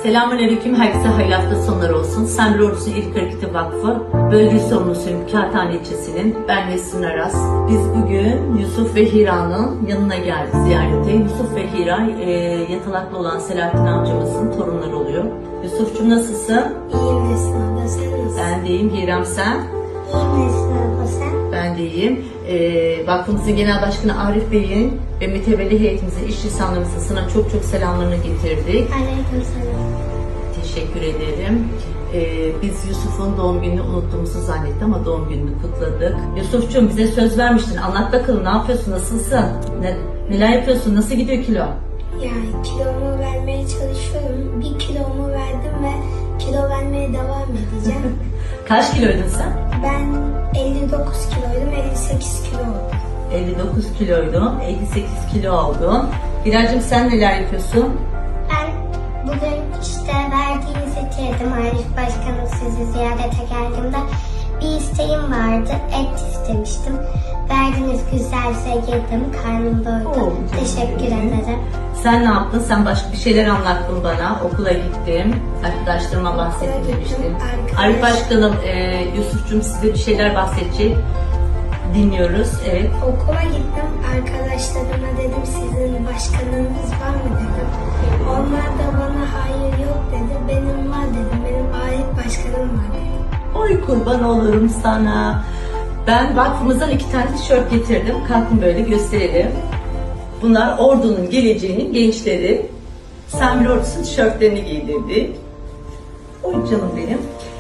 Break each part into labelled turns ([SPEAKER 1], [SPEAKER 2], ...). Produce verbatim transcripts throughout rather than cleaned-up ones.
[SPEAKER 1] Selamünaleyküm, herkese hayırlı hafta sonları olsun. Semri Ordusu İlk Hareketi Vakfı Bölge Sorumlusuyum Kağıthane ilçesinin. Ben Nesrin Aras. Biz bugün Yusuf ve Hira'nın yanına geldik ziyarete. Yusuf ve Hira e, yatalaklı olan Selahattin amcamızın torunları oluyor. Yusuf'cum nasılsın?
[SPEAKER 2] İyiyim Nesrin abla, sen nasılsın?
[SPEAKER 1] Ben de iyiyim. Hiram sen?
[SPEAKER 2] İyiyim Nesrin abla, sen?
[SPEAKER 1] Ben de iyiyim. E, Vakfımızın Genel Başkanı Arif Bey'in ve mütevelli heyetimizin, iş insanlarımızın sana çok çok selamlarını getirdik.
[SPEAKER 2] Aleykümselam.
[SPEAKER 1] Teşekkür ederim. Ee, biz Yusuf'un doğum gününü unuttuğumuzu zannettik ama doğum gününü kutladık. Yusuf'cum bize söz vermiştin. Anlat bakalım, ne yapıyorsun, nasılsın? Ne, neler yapıyorsun, nasıl gidiyor kilo?
[SPEAKER 2] Yani kilomu vermeye çalışıyorum. Bir kilomu verdim ve kilo vermeye devam edeceğim.
[SPEAKER 1] Kaç kiloydun sen?
[SPEAKER 2] Ben elli dokuz kiloydum, elli sekiz kilo oldum.
[SPEAKER 1] elli dokuz kiloydun, elli sekiz kilo oldun. Hiracığım sen neler yapıyorsun?
[SPEAKER 2] Ben bugün işte verdiğinizi yedim. Arif Başkanım sizi ziyarete geldiğimde bir isteğim vardı. Et istemiştim. Verdiğiniz güzelse yedim. Karnım doydu.
[SPEAKER 1] Oo,
[SPEAKER 2] Teşekkür
[SPEAKER 1] canım.
[SPEAKER 2] ederim.
[SPEAKER 1] Sen ne yaptın? Sen başka bir şeyler anlattın bana. Okula gittim. Arkadaşlarıma bahsettim
[SPEAKER 2] Okula gittim,
[SPEAKER 1] demiştin.
[SPEAKER 2] arkadaş-
[SPEAKER 1] Arif Başkanım, e, Yusuf'cum size bir şeyler bahsedecek. Dinliyoruz. Evet.
[SPEAKER 2] Okula gittim. Arkadaşlarıma dedim sizin başkanınız var mı dedim. Onlar da bana hayır yok dedi. Benim var dedim. Benim Arif Başkanım var dedi.
[SPEAKER 1] Oy kurban olurum sana. Ben vakfımızdan iki tane tişört getirdim. Kalkın böyle gösterelim. Bunlar ordunun geleceğinin gençleri. Semri Ordusu'nun tişörtlerini giydirdik. Oy canım benim.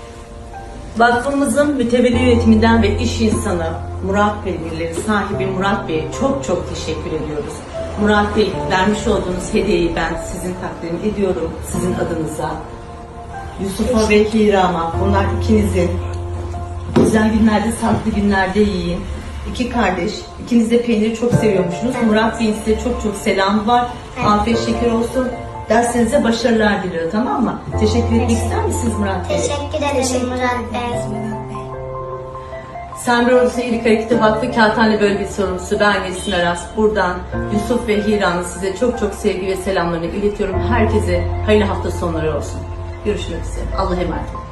[SPEAKER 1] Vakfımızın mütevelli yönetiminden ve iş insanı Murat Bey'leri sahibi Murat Bey'e çok çok teşekkür ediyoruz. Murat Bey, vermiş olduğunuz hediyeyi ben sizin takdim ediyorum, sizin adınıza. Yusuf'a ve Hira'ma, bunlar ikinizin. Güzel günlerde, sağlıklı günlerde yiyin. İki kardeş, ikiniz de peyniri çok seviyormuşsunuz.
[SPEAKER 2] Evet.
[SPEAKER 1] Murat Bey'in size çok çok selam var.
[SPEAKER 2] Evet.
[SPEAKER 1] Afiyet şeker olsun. Derslerinize başarılar diliyorum, tamam mı? Teşekkür etmek ister misiniz Murat Bey?
[SPEAKER 2] Teşekkür ederim Murat Bey. Murat Bey.
[SPEAKER 1] Semri Ordusu İlk Hareketi Vakfı Kağıthane Bölge Sorumlusu ben Nesrin Aras. Buradan Yusuf ve Hira'nın size çok çok sevgi ve selamlarını iletiyorum. Herkese hayırlı hafta sonları olsun. Görüşmek üzere. Allah'a emanet olun.